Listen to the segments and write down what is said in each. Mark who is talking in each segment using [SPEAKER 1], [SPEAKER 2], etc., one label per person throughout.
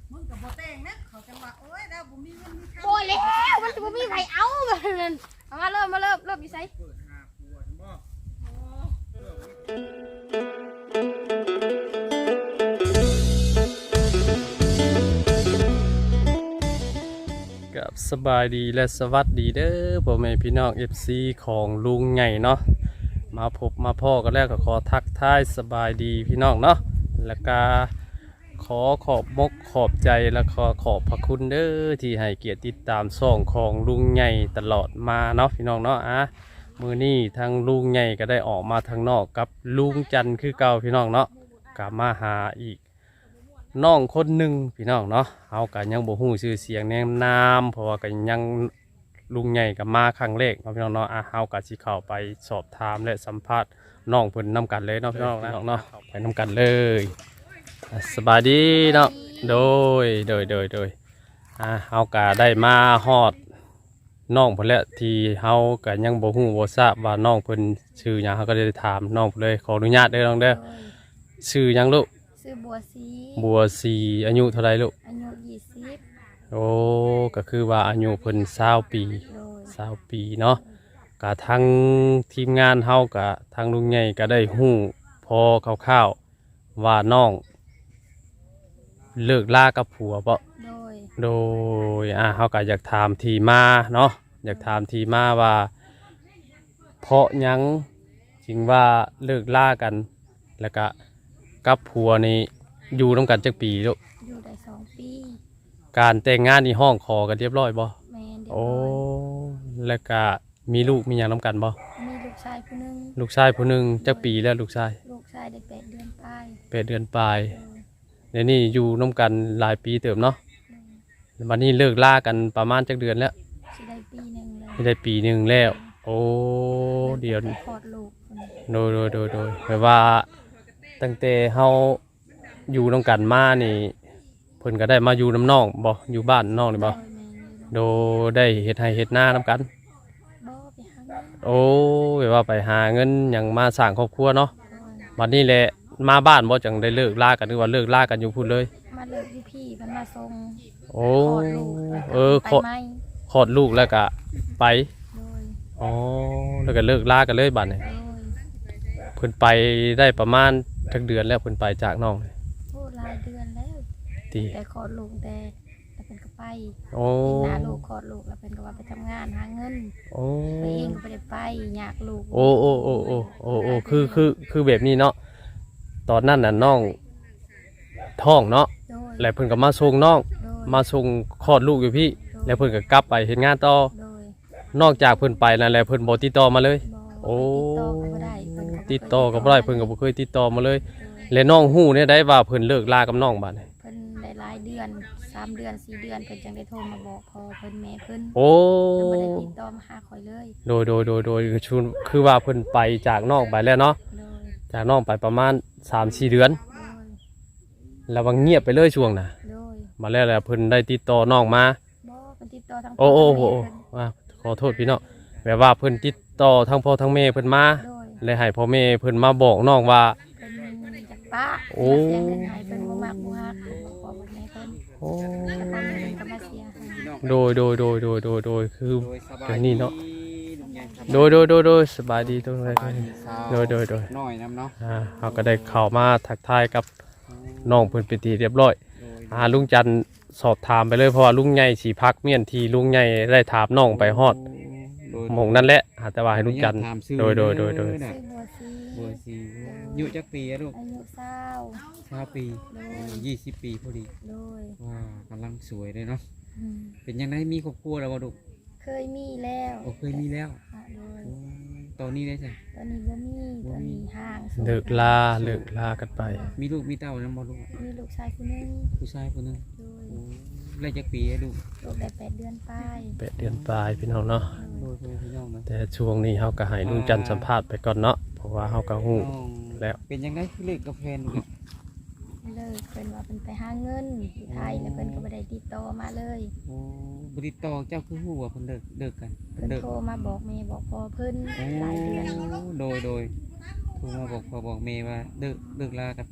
[SPEAKER 1] มึงกับบ่แต่งนะเขาจังว่าโอ้ยเราบ่มีเงินมีค่า
[SPEAKER 2] โบแล้วมันจะบ่มีไผเอามันเอามาเริ่มอยู่ไส
[SPEAKER 1] เปิดหาผัวบ่
[SPEAKER 3] กับสบายดีและสวัสดีเด้อพ่อแม่พี่น้อง FC ของลุงใหญ่เนาะมาพบมาพ่อกันแล้วก็ขอทักทายสบายดีพี่น้องเนาะแล้วก็ขอขอบมกขอบใจและขอบพระคุณเด้อที่ให้เกียรติติดตามช่องของลุงใหญ่ตลอดมาเนาะพี่น้องเนาะมื้อนี้ทางลุงใหญ่ก็ได้ออกมาทางนอกกับลุงจันทร์คือเก่าพี่น้องเนาะกลับมาหาอีกน้องคนหนึ่งพี่น้องเนาะเอากันยังบ่ฮู้ชื่อเสียงแนะนามเพราะว่ากันยังลุงใหญ่กับมาครั้งแรกเนาะพี่น้องเนาะเฮาก็สิเข้าไปสอบถามและสัมภาษณ์น้องเพิ่นนำกันเลยเนาะพี่น้องเนาะไปนำกันเลยสบายดีเนาะโดยเฮาก็ได้มาฮอดน้องเพิ่นแล้วที่เฮาก็ยังบ่ฮู้บ่ทราบว่าน้องเพิ่นชื่อหยังเฮาก็ได้ถามน้องเพิ่นเลยขออนุญาตเด้อน้องเด้อชื่อหยังลูก
[SPEAKER 2] ซื้อบัวสี
[SPEAKER 3] บัวสีอายุเท่าไรลูก
[SPEAKER 2] อายุ20
[SPEAKER 3] โอ้ก็คือว่าอายุเพิ่น20 ปี
[SPEAKER 2] โดย
[SPEAKER 3] 20 ปีเนาะกะทั้งทีมงานเฮากะทางลุงใหญ่ก็ได้ฮู้พอคร่าวๆว่าน้องเลิกลากับผัวบ่
[SPEAKER 2] โดย
[SPEAKER 3] โดยเฮาก็อยากถามที่มาเนาะอยากถามที่มาว่าเพราะหยังจึงว่าเลิกลากันแล้วก็กับผัวนี่อยู่ร่วมกันจักปีลูก
[SPEAKER 2] อยู่ได้2 ปี
[SPEAKER 3] การแต่งงานนี่ห้องขอกันเรียบร้อยบ่
[SPEAKER 2] แม่นเดียว
[SPEAKER 3] โอ้
[SPEAKER 2] ร้อย
[SPEAKER 3] แล้วก็มีลูกมีหยังน้ำกันบ่
[SPEAKER 2] มีลูกชายผู้หนึง
[SPEAKER 3] ลูกชายผู้หนึ่งจักปีแล้วลูกชาย
[SPEAKER 2] ลูกชายได้8 เดือนปลาย
[SPEAKER 3] 8 เดือนปลาย
[SPEAKER 2] โดย
[SPEAKER 3] เดี๋ยวนี้อยู่น้ำกันหลายปีเติมเนาะวันนี้เลิกล่ากันประมาณจักเดือนแล้ว
[SPEAKER 2] สิได้ปีหนึงเลย
[SPEAKER 3] ไม่ได้ปีหนึ่งแล้ว โอ้เดี๋ยว
[SPEAKER 2] ไปคลอดลูกคนนี้
[SPEAKER 3] โดยแปลว่าตั้งแต่เฮาอยู่น้ำกันมานี่เพิ่นก็ได้มาอยู่น้ำน้องบ่อยู่บ้านน้องนี่บ่
[SPEAKER 2] โดยแม่นอยู่
[SPEAKER 3] โดได้เฮ็ดให้เฮ็ดหน้าน้ำกัน
[SPEAKER 2] บ่ไปหาเงิน
[SPEAKER 3] โอ้แปลว่าไปหาเงินหยังมาสร้างครอบครัวเนาะ
[SPEAKER 2] โดย
[SPEAKER 3] วันนี้แหละมาบ้านบ่จังได้เลิกลากันหรือว่าเลิกลากันอยู่พูดเลย
[SPEAKER 2] มาเลิกพี่เพิ่นมาส่ง
[SPEAKER 3] โอ้
[SPEAKER 2] คลอดลูก
[SPEAKER 3] คลอด
[SPEAKER 2] ไปไหม
[SPEAKER 3] คลอดลูกแล้วก็ไป
[SPEAKER 2] โดย
[SPEAKER 3] อ๋อแล้วก็เลิกลากันเลยบัดนี้
[SPEAKER 2] โดย
[SPEAKER 3] เพิ่นไปได้ประมาณทักเดือนแล้วเพิ่นไปจากน้อง
[SPEAKER 2] พูดหลายเดือนแล้ว
[SPEAKER 3] ตี
[SPEAKER 2] แต่คลอดลูกแต่เป็นก็ไป
[SPEAKER 3] โอ้
[SPEAKER 2] เห็นหน้าลูกคลอดลูกแล้วเป็นก็ว่าไปทำงานหาเงิน
[SPEAKER 3] โอ้
[SPEAKER 2] ไปเองก็ไม่ได้ไปอยากลูก
[SPEAKER 3] โอ้คือแบบนี้เนาะตอนนั้นน่ะน้องท้องเนาะ
[SPEAKER 2] โดย
[SPEAKER 3] แล้วเพิ่นก็มาส่งน้อง
[SPEAKER 2] โดย
[SPEAKER 3] มาส่งคลอดลูกอยู่พี่ แล้วเพิ่นก็กลับไปเฮ็ดงานต่อ
[SPEAKER 2] โดย
[SPEAKER 3] นอกจากเพิ่นไปแล้วเพิ่นบ่ติดต่อมาเลย
[SPEAKER 2] บ่
[SPEAKER 3] โอ้
[SPEAKER 2] ติดต่อก็บ่ได้เพิ่นก็
[SPEAKER 3] ติดต่อก็บ่ได้เพิ่นก็บ่เคยติดต่อมาเลย และน้องฮู้เนี่ยได้ว่าเพิ่นเลิกลากับน้องบัดนี้
[SPEAKER 2] เพิ่นได้หลายเดือน3 เดือน4 เดือนเพิ่นจังได้โทรมาบอกพ่อเพิ่นแม่เพิ่น
[SPEAKER 3] โอ้
[SPEAKER 2] เพิ่นบ่ได้ติดต่อมาหาข่อยเลย
[SPEAKER 3] โดยคือว่าเพิ่นไปจากน้องไปแล้วเนาะ
[SPEAKER 2] โดย
[SPEAKER 3] จากน้องไปประมาณ 3-4 เดือน
[SPEAKER 2] โดย
[SPEAKER 3] แล้วว่าเงียบไปเลยช่วงน่ะ
[SPEAKER 2] โดย
[SPEAKER 3] มาแล้วเพิ่นได้ติดต่อน้องมา
[SPEAKER 2] บ่เพิ่นติดต่อทาง
[SPEAKER 3] โอ้
[SPEAKER 2] พ่แม่เพิ่น
[SPEAKER 3] ขอโทษพี่น้องแบบว่าเพิ่นติดต่อทั้งพ่อทั้งแม่เพิ่นมา
[SPEAKER 2] โดย
[SPEAKER 3] และให้พ่อแม่เพิ่นมาบอกน้องว่า
[SPEAKER 2] เพิ่นจากป้า
[SPEAKER 3] โอ้
[SPEAKER 2] เสียเงินให้เพิ่นบ่มักบ่ฮักเพิ่นบ่ขอบ่แม่เพิ่น
[SPEAKER 3] โอ้
[SPEAKER 2] แล้วพ่อแม่เพิ่นก็มาเสียให้
[SPEAKER 3] โดยคือ
[SPEAKER 1] โดยสบา
[SPEAKER 3] เดี๋
[SPEAKER 1] ย
[SPEAKER 3] ยวนี้เนาะ
[SPEAKER 1] ลุงใหญ่ครับ
[SPEAKER 3] โดยสบายดีตรงไหน
[SPEAKER 1] สบายดีสาว
[SPEAKER 3] โดย
[SPEAKER 1] น้อยนำเนาะ
[SPEAKER 3] เขาก็ได้เข้ามาทักทายกับน้องเพิ่นเป็นที่เรียบร้อย
[SPEAKER 1] โดย
[SPEAKER 3] ลุงจันทร์สอบถามไปเลยเพราะว่าลุงใหญ่สีพักเมียนทีลุงใหญ่ได้ถามน้องไปฮอด
[SPEAKER 1] โดย
[SPEAKER 3] หมองนั่นแหละแต่ว่าให้ลุงจันทร์
[SPEAKER 1] ถามชื่อ
[SPEAKER 3] โดย
[SPEAKER 1] น่ะ
[SPEAKER 2] ซื้อบัวสี
[SPEAKER 1] บัวสีอายุจักปีอะลูก
[SPEAKER 2] อายุ
[SPEAKER 1] 20 ปี
[SPEAKER 2] โดย
[SPEAKER 1] 20 ปีพอดี
[SPEAKER 2] โดย
[SPEAKER 1] ว้ากำลังสวยเลยเนาะ
[SPEAKER 2] อืม
[SPEAKER 1] เป็นยังไงมีครอบครัวแล้วบ่ลูก
[SPEAKER 2] เคยมีแล้ว
[SPEAKER 1] โอ้เคยมีแล้ว
[SPEAKER 2] ค่ะโดย
[SPEAKER 1] โอ้ตอนนี้ได้จ้ะ
[SPEAKER 2] ตอนนี้บ่มีตอนนี้ห่างโสด
[SPEAKER 3] เลิกลากันไป
[SPEAKER 1] มีลูกมีเต้าแล้วบ่ลูก
[SPEAKER 2] มีลูกชายคนนึง
[SPEAKER 1] ผู้ชายคนหนึง
[SPEAKER 2] โดย
[SPEAKER 1] โอ้ได้จักปีอะลูก
[SPEAKER 2] ลูกได้8 เดือนปลาย
[SPEAKER 3] 8 เดือนปลายพี่น้องเนาะ
[SPEAKER 1] โดยพี่น้องนะ
[SPEAKER 3] แต่ช่วงนี้เขาก็ให้ลุงจันทร์สัมภาษณ์ไปก่อนเนาะเพราะว่าเขาก็ฮู้
[SPEAKER 1] น้อง
[SPEAKER 3] แล้ว
[SPEAKER 1] เป็นยังไงคือเลิกกับแฟนลูกอะ
[SPEAKER 2] เลิกเพิ่นว่าเพิ่นไปหาเงินที่ไทยแล้วเพิ่นก็บ่ได้ติดต่อมาเลย
[SPEAKER 1] โอ้บริตอเจ้าคือฮู้ว่าเพิ่นเลิกกัน
[SPEAKER 2] เพิ่น
[SPEAKER 1] เลิก
[SPEAKER 2] โทรมาบอกแม่บอกพ่อเพิ่น
[SPEAKER 1] โอ้
[SPEAKER 2] หลายเดือน
[SPEAKER 1] โดยโทรมาบอกพ่อบอกแม่ว่าเลิกลากับเจ้า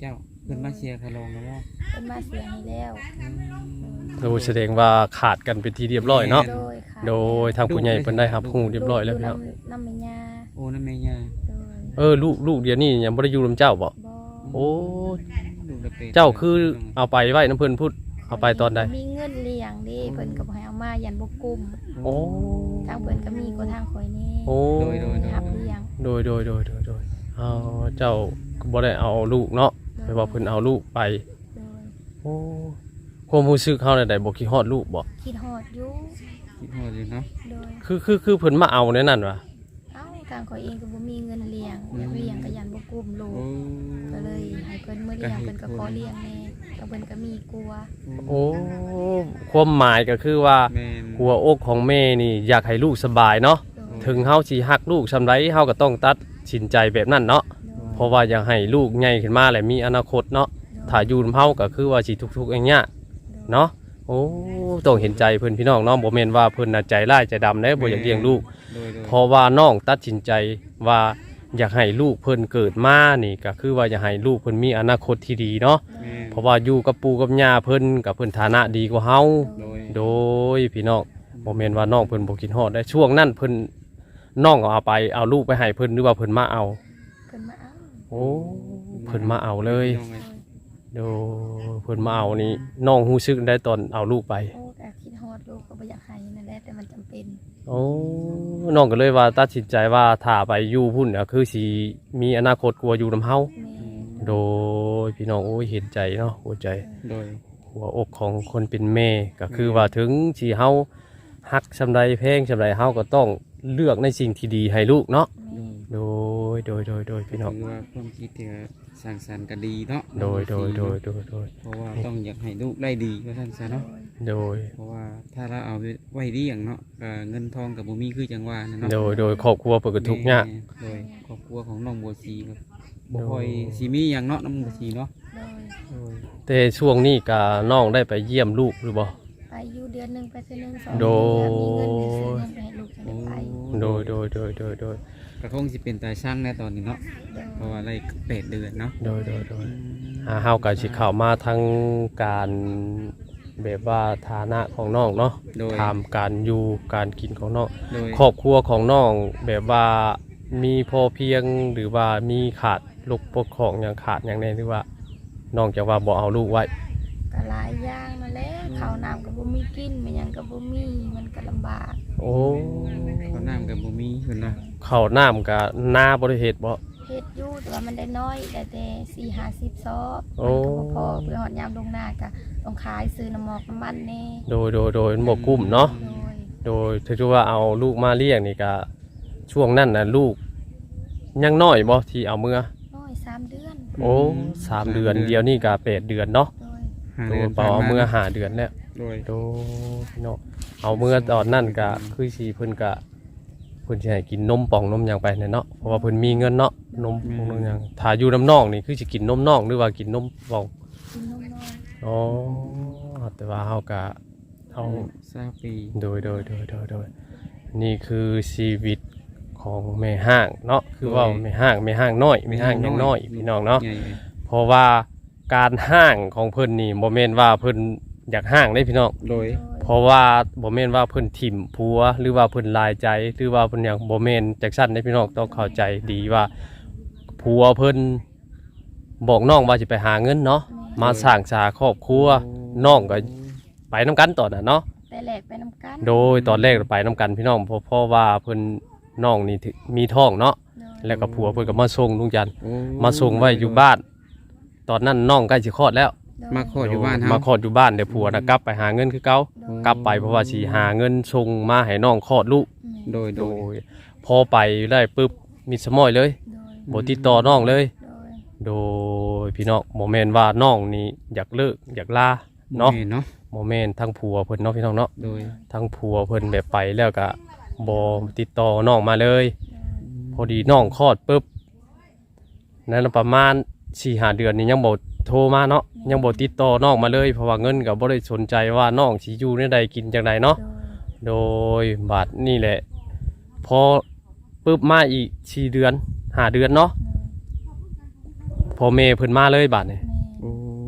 [SPEAKER 1] เพิ่นมาเชียร์คาลองแล้วว่า
[SPEAKER 2] เพิ่นมาเสียให้แล้ว
[SPEAKER 3] โดยแสดงว่าขาดกันเป็นที่เรียบร้อยเนาะ
[SPEAKER 2] โดยค่ะ
[SPEAKER 3] โดยทางผู้ใหญ่เพิ่นได้รับรู้เรียบร้อยแล้วพี่น้อง
[SPEAKER 2] น้ำแม่ย่า
[SPEAKER 1] โอ้นั่นแม่ย่า
[SPEAKER 2] โดย
[SPEAKER 3] ลูกเดี๋ยวนี้ยังบ่ได้อยู่นำเจ้าบ่
[SPEAKER 2] บ่
[SPEAKER 3] โอ้
[SPEAKER 1] ลูกละเป็ด
[SPEAKER 3] เจ้าคือเอาไปไว้น้ำเพิ่นพูดเอาไปตอนใด
[SPEAKER 2] มีเงินเลี้ยงเด้เพิ่นก็บ่ให้เอามายันบ่กุ้ม
[SPEAKER 3] โอ้
[SPEAKER 2] ทางเพิ่นก็มีก็ทางข่อยแน่
[SPEAKER 3] โอ้
[SPEAKER 2] หับเลี้ยง
[SPEAKER 3] โดยเอาเจ้าก็บ่ได้เอาลูกเนาะไปว่าเพิ่นเอาลูกไป
[SPEAKER 2] โดย
[SPEAKER 3] โอ้ความรู้สึกเฮาได้บ่คิดฮอดลูกบ่
[SPEAKER 2] คิดฮอดอยู่
[SPEAKER 1] คิดฮอดอยู่เนาะ
[SPEAKER 2] โดย
[SPEAKER 3] คือเพิ่นมาเอาในนั้นว่ะ
[SPEAKER 2] เอ้าทางข่อยเองก็บ่มีเงินเลี้ยงอยากเลี้ยงก็ยันบ่กุ้มลูก
[SPEAKER 1] โอ้
[SPEAKER 2] ก็เลยให้เพิ่นมื้อเลี้ยงเพิ่นก็ขอเลี้ยงแน่ก็เพิ่นก็มีกลัว
[SPEAKER 3] โอ้ความหมายก็คือว่า
[SPEAKER 1] แม่น
[SPEAKER 3] หัวอกของแม่นี่อยากให้ลูกสบายเนาะ
[SPEAKER 2] โดย
[SPEAKER 3] ถึงเฮาสิฮักลูกซำใดเฮาก็ต้องตัดสินใจแบบนั้นเนาะ
[SPEAKER 2] โดย
[SPEAKER 3] เพราะว่าอยากให้ลูกใหญ่ขึ้นมาและมีอนาคตเนาะถ้าอยู่นำเฮาก็คือว่าสิทุกๆอย่างเงี้ยเนาะโอ้ต้องเห็นใจเพิ่นพี่น้องเนาะบ่แม่นว่าเพิ่นน่ะใจร้ายใจดำเด้บ่อยากเลี้ยงลูก
[SPEAKER 1] โดย
[SPEAKER 3] เพราะว่าน้องตัดสินใจว่าอยากให้ลูกเพิ่นเกิดมานี่ก็คือว่าอยากให้ลูกเพิ่นมีอนาคตที่ดีเนาะ
[SPEAKER 1] แม่น
[SPEAKER 3] เพราะว่าอยู่กับปู่กับย่าเพิ่นกับเพิ่นฐานะดีกว่าเฮา
[SPEAKER 1] โดย
[SPEAKER 3] โดยพี่น้องบ่แม่นว่าน้องเพิ่นบ่คิดฮอดได้ช่วงนั้นเพิ่นน้องเอาไปเอาลูกไปให้เพิ่นหรือว่าเพิ่นมาเอา
[SPEAKER 2] เพิ่นมาเอา
[SPEAKER 3] โอ้เพิ่นมาเอาเลย
[SPEAKER 1] น้องไง
[SPEAKER 3] โดเพิ่นมาเอานี่น้องรู้สึกได้ตอนเอาลูกไป
[SPEAKER 2] โอ้ก็คิดฮอดลูกก็บ่อยากให้นั่นแหละแต่มันจำเป็น
[SPEAKER 3] โอ้น้องก็เลยว่าตัดสินใจว่าถ้าไปอยู่พุ่นก็คือสิมีอนาคตกว่าอยู่นำเฮา
[SPEAKER 2] แม่
[SPEAKER 3] โดยพี่น้องโอ้ยเห็นใจเนาะหัวใจ
[SPEAKER 1] โดย
[SPEAKER 3] หัวอกของคนเป็นแม่ก็คือว่าถึงสิเฮาฮักซำใดแพงซำใดเฮาก็ต้องเลือกในสิ่งที่ดีให้ลูกเนาะ
[SPEAKER 2] แม่
[SPEAKER 3] โดยพี่น้อง
[SPEAKER 1] ถือว่าความคิดที่สร้างสรรค์ก็ดีเนาะ
[SPEAKER 3] โดย
[SPEAKER 1] เพราะว่าต้องอยากให้ลูกได้ดีว่าท่านซะเนาะ
[SPEAKER 3] โดย
[SPEAKER 1] เพราะว่าถ้าเราเอาไว้เลี้ยงเนาะก็เงินทองกับบ่มีคือจังว่านะเนาะ
[SPEAKER 3] โดยครอบครัวเปิดกระทุกข์ยาก
[SPEAKER 1] โดยครอบครัวของน้องบัวสีครับบ่
[SPEAKER 3] โดย
[SPEAKER 1] ค่อยสิมีหยังเนาะน้องบัวสีเนาะ
[SPEAKER 2] โดย
[SPEAKER 3] แต่ช่วงนี้ก็น้องได้ไปเยี่ยมลูกหรือบ่
[SPEAKER 2] ไปอยู่เดือนหนึงไปซื้อหนึง2
[SPEAKER 3] โดย
[SPEAKER 2] มีเงินไปซื้อเงินไปให้ลูกจะได้ไป
[SPEAKER 3] โดย
[SPEAKER 1] กระทงสิเป็นตาช่างในตอนนี้เนาะเพราะว่าอะไร8เดือนเนาะ
[SPEAKER 3] เฮาก็สิเข้ามาทางการแบบว่าฐานะของน้องเนาะ
[SPEAKER 1] โดย
[SPEAKER 3] ถามการอยู่การกินของน้อง
[SPEAKER 1] โดย
[SPEAKER 3] ครอบครัวของน้องแบบว่ามีพอเพียงหรือว่ามีขาดลูกปกของอย่างขาดอย่างใดหรือว่าน้องจะว่าบ่เอาลูกไว้
[SPEAKER 2] ก็หลายอย่างนั่นแหละข้าวน้ำก็บ่มีกินมันหยังก็บ่มีมันก็ลำบาก
[SPEAKER 3] โอ้
[SPEAKER 1] เขาน้ำกับบ่มีเพิ่นเนาะ
[SPEAKER 3] ข้าวน้ำกับนาบ่ได้เฮ็ดบ่
[SPEAKER 2] เฮ็ดอยู่แต่ว่ามันได้น้อยได้แต่4-50ซอบ
[SPEAKER 3] โอ้
[SPEAKER 2] มันก็บ่พอเพื่อหอดยามลงหน้าก็ต้องขายซื้อน้ำหมอกน้ำมันแน่
[SPEAKER 3] โดยมันบ่กุ้มเนาะ
[SPEAKER 2] โดย
[SPEAKER 3] โดยถือว่าเอาลูกมาเลี้ยงนี่ก็ช่วงนั้นน่ะลูกยังน้อยบ่ที่เอาเมื่อ
[SPEAKER 2] น้อย3เดือน
[SPEAKER 3] โอ้3 เดือนเดียวนี่ก็8 เดือนเนาะ
[SPEAKER 2] โดย
[SPEAKER 1] ห้า
[SPEAKER 3] ตัวเปล่าเอาเมื่อ5 เดือนแล้ว
[SPEAKER 1] โดย
[SPEAKER 3] โดพี่น้องเอาเมื่อตอนนั้นก็คือสิเพิ่นก็เพิ่นสิให้กินนมป่องนมหยังไปเนี่ยเนาะเพราะว่าเพิ่นมีเงินเนาะนมป่องนมหยังถ้าอยู่น้ำน้องนี่คือสิกินนมน้องหรือว่ากินนมป่อง
[SPEAKER 2] กินนมน้อย
[SPEAKER 3] อ๋อแต่ว่าเฮาก็เอา
[SPEAKER 1] 20ปี
[SPEAKER 3] โดยนี่คือชีวิตของแม่ห้างเนาะคือว่าแม่ห้างน้อยแม่ห้างยังน้อยพี่น้องเนาะ
[SPEAKER 1] ใหญ่
[SPEAKER 3] เพราะว่าการห้างของเพิ่นนี่บ่แม่นว่าเพิ่นอยากห้างได้พี่น้อง
[SPEAKER 1] โดย
[SPEAKER 3] เพราะว่าบ่แม่นว่าเพิ่นถิ่มผัวหรือว่าเพิ่นลายใจหรือว่าเพิ่นหยังบ่แม่นจักซั่นเด้พี่น้องต้องเข้าใจดีว่าผัวเพิ่นบอกน้องว่าสิไปหาเงินเนาะมาสร้างสาครอบครัวน้องก็ไปนํกันตอนน่ะเนาะ
[SPEAKER 2] แต่แหลกไปนำกัน
[SPEAKER 3] โดยตอนแรกไปนํกันพี่น้องเพราะว่าเพิ่นน้องนี่มีท้องเนาะ
[SPEAKER 2] โดย
[SPEAKER 3] แล้วก็ผัวเพิ่นก็มาส่งลุงจันทร์
[SPEAKER 1] โอ้
[SPEAKER 3] มาส่งไว้อยู่บ้าน ตอนนั้นน้องใกล้สิคลอดแล้ว
[SPEAKER 1] มาขออยู่บ้านเฮา
[SPEAKER 3] มาคลอดอยู่บ้านเดี๋ยวผัวน่ะกลับไปหาเงินคือเก่า
[SPEAKER 2] โดย
[SPEAKER 3] กลับไปเพราะว่าสิหาเงินส่งมาให้น้องคลอดลูก
[SPEAKER 1] โดย
[SPEAKER 3] โดยพอไปได้ปุ๊บมีสมอยเลย
[SPEAKER 2] โดย
[SPEAKER 3] บ่ติดต่อน้องเลย
[SPEAKER 2] โดย
[SPEAKER 3] โดยพี่น้องบ่แม่นว่าน้องนี่อยากเลิกอยากลาเนาะ
[SPEAKER 1] เนาะ
[SPEAKER 3] บ่แม่นทั้งผัวเพิ่นเนาะพี่น้องเนาะ
[SPEAKER 1] โดย
[SPEAKER 3] ทั้งผัวเพิ่นแบบไปแล้วก็บ่ติดต่อน้องมาเลย พอดีน้องคลอดปุ๊บนั่นประมาณ 4-5 เดือนนี่ยังบ่โทรมาเนาะยังบ่ติดต่อน้องมาเลยเพราะว่าเงินก็บ่ได้สนใจว่าน้องสิอยู่ในใดกินจังไดเนาะ
[SPEAKER 2] โดย
[SPEAKER 3] โดยบาทนี่แหละพอปุ๊บมาอีก4 เดือน5 เดือนเนาะพอเมเพิ่นมาเลยบาทนี่
[SPEAKER 2] แม่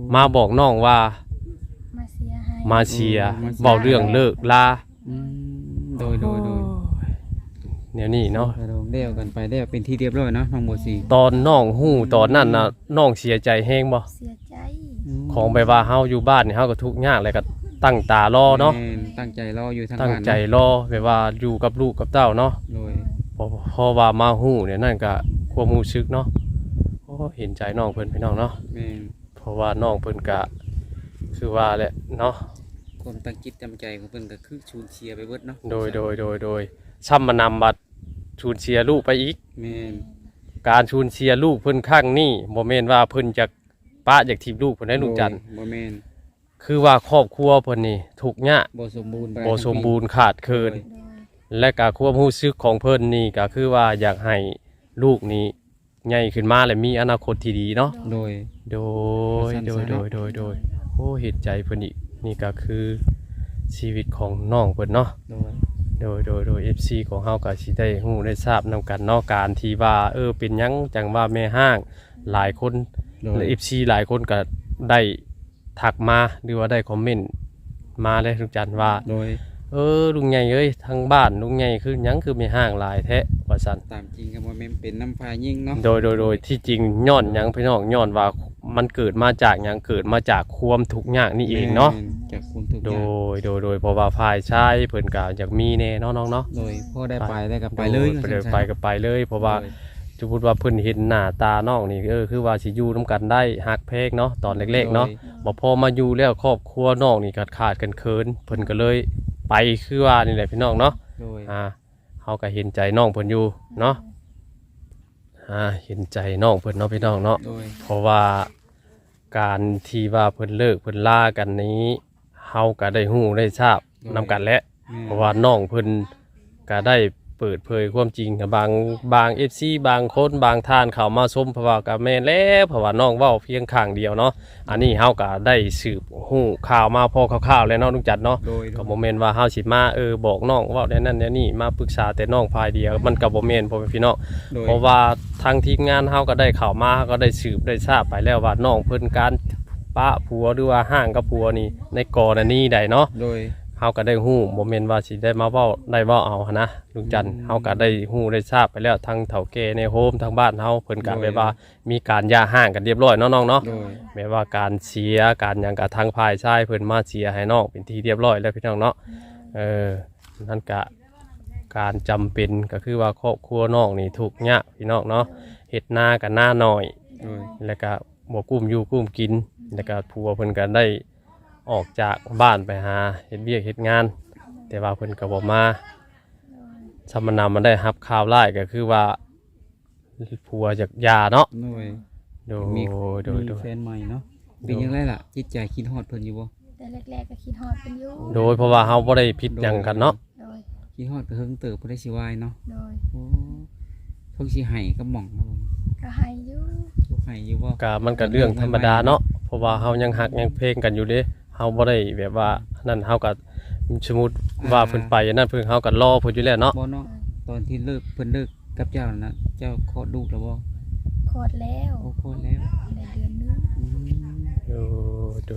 [SPEAKER 3] มาบอกน้องว่า
[SPEAKER 2] มาเสียให้
[SPEAKER 3] มาเชียร์เว้าเรื่องเลิกลา
[SPEAKER 1] อืมโดย
[SPEAKER 3] แนวนี้เนาะ
[SPEAKER 1] เลี้ยวกันไปได้วเป็นที่เรียบร้อยเนาะน้องโบซี
[SPEAKER 3] ตอนน้องฮู้ตอนนั้นน่ะน้องเสียใจแฮงบ่
[SPEAKER 2] เสียใจ
[SPEAKER 3] ของไปว่าเฮาอยู่บ้านนี่เฮาก็ทุกข์ยากแล้วก็ตั้งตารอเนาะ
[SPEAKER 1] แม่ตั้งใจรออยู่ทาง
[SPEAKER 3] ตั้ง
[SPEAKER 1] บ้าน
[SPEAKER 3] ใจรอแบบว่าอยู่กับลูกกับเต้าเนาะ
[SPEAKER 1] โดย
[SPEAKER 3] พอว่ามาฮู้เนี่ยนั่นก็ความรู้สึกเนาะโอ้เห็นใจน้องเพิ่นพี่น้องเนาะ
[SPEAKER 1] แม่น
[SPEAKER 3] เพราะว่าน้องเพิ่นก็คือว่าแหละเนาะ
[SPEAKER 1] ความตั้งจิตตั้งใจของเพิ่นก็คือชูนเชียร์ไปเบิดเนาะ
[SPEAKER 3] โดยซ้ำมานำบัดชูนเชียร์ลูกไปอีก
[SPEAKER 1] แม่น
[SPEAKER 3] การชูนเชียร์ลูกเพิ่นข้างนี้บ่แม่นว่าเพิ่นจะป้าจากทีมลูกเพิ่นได้ลูกจันทร์
[SPEAKER 1] บ่แม่น
[SPEAKER 3] คือว่าครอบครัวเพิ่นนี่ทุกข์ยาก
[SPEAKER 1] บ่สมบูรณ์
[SPEAKER 3] บ่สมบูรณ์ขาดเคิน
[SPEAKER 2] โดย
[SPEAKER 3] และก็ความรู้สึกของเพิ่นนี่ก็คือว่าอยากให้ลูกนี้ใหญ่ขึ้นมาและมีอนาคตที่ดีเนาะ
[SPEAKER 1] โดย
[SPEAKER 3] โดยโอ้เห็นใจเพิ่นอีกนี่ก็คือชีวิตของน้องเพิ่นเนาะ โดย FC ของเฮาก็สิได้ฮู้ได้ทราบนํกันเนาะการที่ว่าเป็นหยังจังว่าแม่ห้างหลายคน
[SPEAKER 1] โดย
[SPEAKER 3] และ FC หลายคนก็ได้ทักมาหรือว่าได้คอมเมนต์มาเลยทุกจันว่า
[SPEAKER 1] โดย
[SPEAKER 3] ลุงใหญ่เอ้ยทางบ้านลุงใหญ่คือหยังคือไม่ห้างหลายแท้ว่าซั่น
[SPEAKER 1] ตามจริงก็บ่แม่นเป็นน้ำพายิ่งเนาะ
[SPEAKER 3] โดยที่จริงย้อนหยังพี่น้องย้อนว่ามันเกิดมาจากหยังเกิดมาจากความทุกข์ยากนี่เองเนาะ
[SPEAKER 1] แม่จากคุณทุกอ
[SPEAKER 3] โด
[SPEAKER 1] ย่าง
[SPEAKER 3] โดยเพราะว่าฝ่ายชายเพิ่นก็อยากมีแน่เนาะน้องเนาะ
[SPEAKER 1] โดยพ่อได้ไปได้ก็ไปเลย
[SPEAKER 3] ไปก็ไปเลย เพราะว่าสมมุติว่าเพิ่นเห็นหน้าตาน้องนี่คือว่าสิอยู่นํกันได้ฮักแพงเนาะตอนเล็กๆเนาะบ่พอมาอยู่แล้วครอบครัวน้องนี่ขาดกันเคินเพิ่นก็เลยไปคือว่านี่แหละพี่น้องเนาะ
[SPEAKER 1] โดย
[SPEAKER 3] เฮาก็เห็นใจน้องเพิ่นอยู่เนาะเห็นใจน้องเพิ่นเนาะพี่น้องเนาะ
[SPEAKER 1] โดย
[SPEAKER 3] เพราะว่าการที่ว่าเพิ่นเลิกเพิ่นลากันนี้เฮาก็ได้ฮู้ได้ทราบนำกันแหละเพราะว่าน้องเพิ่นก็ได้เปิดเผยความจริงกับบาง FC บางคนบางท่านเข้ามาชมเพราะว่าก็แม่นแล้วเพราะว่าน้องเว้าเพียงข้างเดียวเนาะอันนี้เฮาก็ได้สืบฮู้ข่าวมาพอคร่าวๆแล้วเนาะลุงจัดเนาะ
[SPEAKER 1] โดย
[SPEAKER 3] ก็บ่แม่นว่าเฮาสิมาบอกน้องเว้าได้นั่นได้นี่มาปรึกษาแต่น้องฝ่ายเดียวมันก็บ่แม่นพ่อแม่พี่น้อง
[SPEAKER 1] โดย
[SPEAKER 3] เพราะว่าทางทีมงานเฮาก็ได้เข้ามาก็ได้สืบได้ทราบไปแล้วว่าน้องเพิ่นการปะผัวหรือว่าห่างกับผัวนี่ในกรณีใดเนาะ
[SPEAKER 1] โดย
[SPEAKER 3] เฮาก็ได้ฮู้บ่แม่นว่าสิได้มาเว้าได้เว้าเอาหั้นนะลุงจันทร์เฮาก็ได้ฮู้ได้ทราบไปแล้วทางเฒ่าแก่ในโฮมทางบ้านเฮาเพิ่นก็แบบว่ามีการหย่าห่างกันเรียบร้อยเนาะน้องเนาะ
[SPEAKER 1] โดย
[SPEAKER 3] แม้ว่าการเสียการหยังกับทางฝ่ายชายเพิ่นมาเสียให้น้องเป็นที่เรียบร้อยแล้วพี่น้องเนาะนั่นก็การจำเป็นก็คือว่าครอบครัวน้องนี่ทุกข์ยากพี่น้องเนาะเฮ็ดนากันหน้าน้อย
[SPEAKER 1] โดย
[SPEAKER 3] แล้วก็บ่กุ้มอยู่กุ้มกินแล้วก็ผัวเพิ่นก็ได้ออกจากบ้านไปหาเฮ็ดเวียกเฮ็ดงาน แต่ว่าเพิ่นก็บ่มาสมณมันได้รับข่าวร้ายก็คือว่าผัวจากหย่าเนาะ
[SPEAKER 1] โดย
[SPEAKER 3] โดย
[SPEAKER 1] มี
[SPEAKER 3] โดย
[SPEAKER 1] แฟนใหม่เนาะเป็นยังไงล่ะจิตใจคิดฮอดเพิ่นอยู่บ่
[SPEAKER 2] แต่แรกๆก็คิดฮอดเป็นอยู่
[SPEAKER 3] โดยเพราะว่าเฮาบ่ได้ผิดหยังกันเนาะ
[SPEAKER 2] โดย
[SPEAKER 1] คิดฮอดก็เฮิงเติบบ่ได้สิวายเนาะ
[SPEAKER 2] โดย
[SPEAKER 1] โอ้เพิ่นสิให้ก็หม่องครับผม
[SPEAKER 2] ก็ให้อยู่
[SPEAKER 1] บ่ให้อยู่บ่
[SPEAKER 3] ก็มันก็เรื่องธรรมดาเนาะเพราะว่าเฮายังฮักยังเพลงกันอยู่เด้เฮาบ่ได้แบบว่านั่นเฮาก็สมมุติว่าเพิ่นไปนั่นเพิ่นเฮาก็รอเพิ่นอยู่แล้วเนาะ
[SPEAKER 1] บ่เนาะตอนที่เลิกเพิ่นเลิกกับเจ้านั่นน่ะเจ้าคลอดลูกแล้วบ่
[SPEAKER 2] คลอดแล้ว
[SPEAKER 1] โอ้คลอดแล้ว
[SPEAKER 2] ในเดือนนึง
[SPEAKER 1] อืม
[SPEAKER 3] โด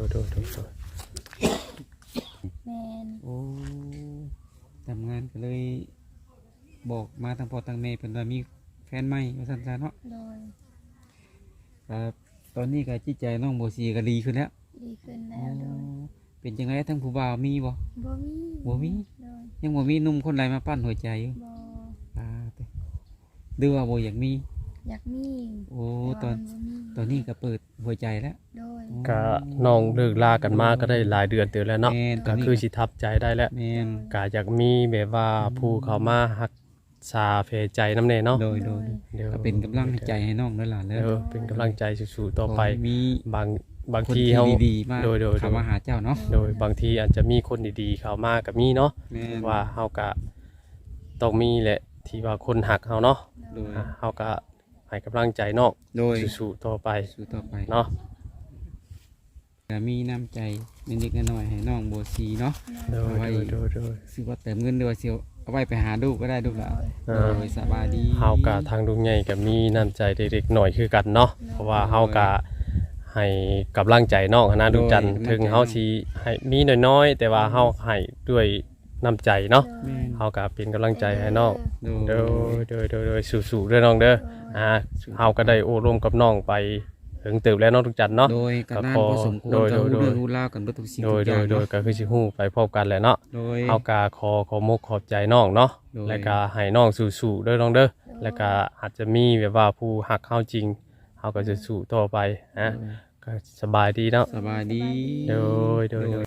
[SPEAKER 2] แม่น
[SPEAKER 1] โอ้ทำงานก็เลยบอกมาทางพ่อทางแม่เพิ่นว่ามีแฟนใหม่ว่าซั่นซะเนาะ
[SPEAKER 2] โดย
[SPEAKER 1] ครับตอนนี้ก็จิตใจน้องโบซีก็ดีขึ้นแล้ว
[SPEAKER 2] ดีขึ้นแล้วโดย
[SPEAKER 1] เป็นจังไงทั้งผู้บ่าวมีบ่
[SPEAKER 2] บ่มี
[SPEAKER 1] บ่มี
[SPEAKER 2] โดย
[SPEAKER 1] ยังบ่มีหนุ่มคนใดมาปั้นหัวใจอยู่
[SPEAKER 2] บ่
[SPEAKER 1] อ่าไปดูว่าบ่อยากมี
[SPEAKER 2] อยากมี
[SPEAKER 1] โอ้
[SPEAKER 2] แต่
[SPEAKER 1] ตอ
[SPEAKER 2] ว่าน มันบ่มี
[SPEAKER 1] ตอนนี้ก็เปิดหัวใจแล้ว
[SPEAKER 2] โดย
[SPEAKER 3] ก็น้องเลิกลากันมาก็ได้หลายเดือนเตือนแล้วเนาะ
[SPEAKER 1] แม่นต
[SPEAKER 3] ก็
[SPEAKER 1] นนี้
[SPEAKER 3] คือสิทับใจได้แล้ว
[SPEAKER 1] แม่น
[SPEAKER 3] ก็อยากมีแบบว่าผู้เข้ามารักษาเพใจนำแน่เนาะ
[SPEAKER 1] โดย
[SPEAKER 3] ดี๋ยว
[SPEAKER 1] ก็เป็นกำลังใจให้น้องด้วยล่ะแล้ว
[SPEAKER 3] เป็นกำลังใจสู้ๆต่อไป
[SPEAKER 1] ขให้มี
[SPEAKER 3] บาง
[SPEAKER 1] คน
[SPEAKER 3] ที
[SPEAKER 1] ที่
[SPEAKER 3] เฮา
[SPEAKER 1] ดีๆมา
[SPEAKER 3] โดย
[SPEAKER 1] เข้ามาหาเจ้าเนาะ
[SPEAKER 3] โดยบางทีอาจจะมีคนดีๆเข้ามากับมีเนาะ
[SPEAKER 1] แม่น
[SPEAKER 3] ว่าเฮาก็ต้องมีแหละที่ว่าคนหักเฮาเนาะ
[SPEAKER 1] โดย
[SPEAKER 3] เฮาก็ให้กำลังใจน้อง
[SPEAKER 1] โดย
[SPEAKER 3] สู้ๆต่อไป
[SPEAKER 1] สู้ต่อไป
[SPEAKER 3] เนาะ
[SPEAKER 1] ก็มีน้ำใจนิดๆหน่อยๆให้น้องโบซีเนาะ
[SPEAKER 3] โดย
[SPEAKER 1] เอาไว้ ซื้อว่าเติมเงินด้วยเสียวเอาไว้ไปหาลูกก็ได้ลูกหลานโดยสบายดี
[SPEAKER 3] เฮาก็ทางลุงใหญ่ก็มีน้ำใจเด็กๆหน่อยคือกันเนาะเพราะว่าเฮาก็ให้กำลังใจน้องหั้นนะลุงจันทร์ถึงเฮาสิให้มีน้อยๆแต่ว่าเฮาให้ด้วยน้ำใจเนาะ
[SPEAKER 1] แม่น
[SPEAKER 3] เฮาก็เป็นกำลังใจให้น้อง
[SPEAKER 1] โด
[SPEAKER 3] โดยสู้ๆเด้อน้องเด้อเฮาก็ได้โอ้ร่วมกับน้องไปถึงตึกแล้วน้องทุกจันทร์เนาะ
[SPEAKER 1] โดยการนาน
[SPEAKER 3] ก็
[SPEAKER 1] พอสมควร
[SPEAKER 3] โดย
[SPEAKER 1] ก็
[SPEAKER 3] โดย
[SPEAKER 1] รู้เรื่องรู้ราวกันเบิดทุกสิ่ง
[SPEAKER 3] โด
[SPEAKER 1] ทุ
[SPEAKER 3] ย
[SPEAKER 1] กอย่าง
[SPEAKER 3] โดย
[SPEAKER 1] เนาะ
[SPEAKER 3] ก็คือสิฮู้ไปพร้อมกันแหละเนาะ
[SPEAKER 1] โดย
[SPEAKER 3] เฮาก็ขอมกขอบใจน้องเนาะ
[SPEAKER 1] โดย
[SPEAKER 3] แล้วก็ให้น้องสู้ๆเด้อน้องเด้อแล้วก็อาจจะมีแบบว่าผู้ฮักเฮาจริงเฮาก็จะสู้ต่อไปนะก็สบายดีเนาะ
[SPEAKER 1] สบายดี
[SPEAKER 3] โดย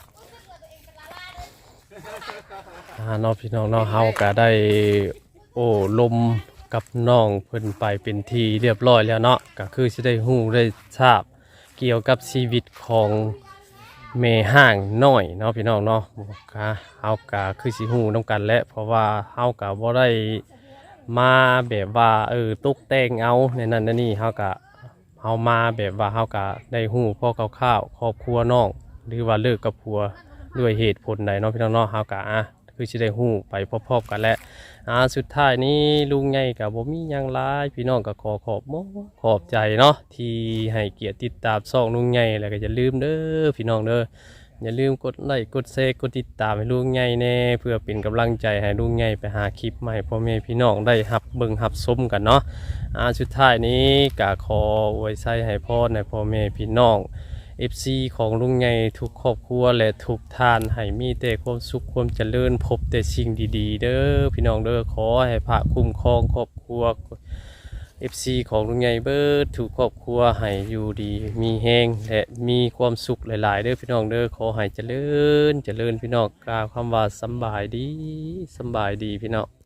[SPEAKER 3] น้องพี่น้องเนาะเฮาก็ได้โอ้ลมกับน้องเพิ่นไปเป็นที่เรียบร้อยแล้วเนาะก็คือสิได้ฮู้ได้ทราบเกี่ยวกับชีวิตของแม่ห้างน้อยเนาะพี่น้องเนาะก็เฮาก็คือสิฮู้นํกันแหละเพราะว่าเฮาก็บ่ได้มาแบบว่าตกแต่งเอาในนั้นในนี่เฮาก็เฮามาแบบว่าเฮาก็ได้ฮู้พอคร่าวๆครอบครัวน้องหรือว่าเลิกกับผัวด้วยเหตุผลใดเนาะพี่น้องเนาะเฮาก็คือสิได้ฮู้ไปพร้อมๆกันแหละสุดท้ายนี้ลุงใหญ่ก็บ่มีหยังหลายพี่น้องก็ขอบใจเนาะที่ให้เกียรติติดตามช่องลุงใหญ่แล้วก็อย่าลืมเด้อพี่น้องเด้ออย่าลืมกดไลค์กดแชร์กดติดตามให้ลุงใหญ่แน่เพื่อเป็นกำลังใจให้ลุงใหญ่ไปหาคลิปใหม่พ่อแม่พี่น้องได้รับเบิ่งรับชมกันเนาะสุดท้ายนี้ก็ขออวยไส้ให้พ่อในพ่อแม่พี่น้องFC ของลุงใหญ่ทุกครอบครัวและทุกท่านให้มีแต่ความสุขความเจริญพบแต่สิ่งดีๆเด้อพี่น้องเด้อขอให้พระคุ้มครองครอบครัว FC ของลุงใหญ่เบิดทุกครอบครัวให้อยู่ดีมีแฮงและมีความสุขหลายๆเด้อพี่น้องเด้อขอให้เจริญพี่น้องกล่าวคำว่าสำบายดีพี่น้อง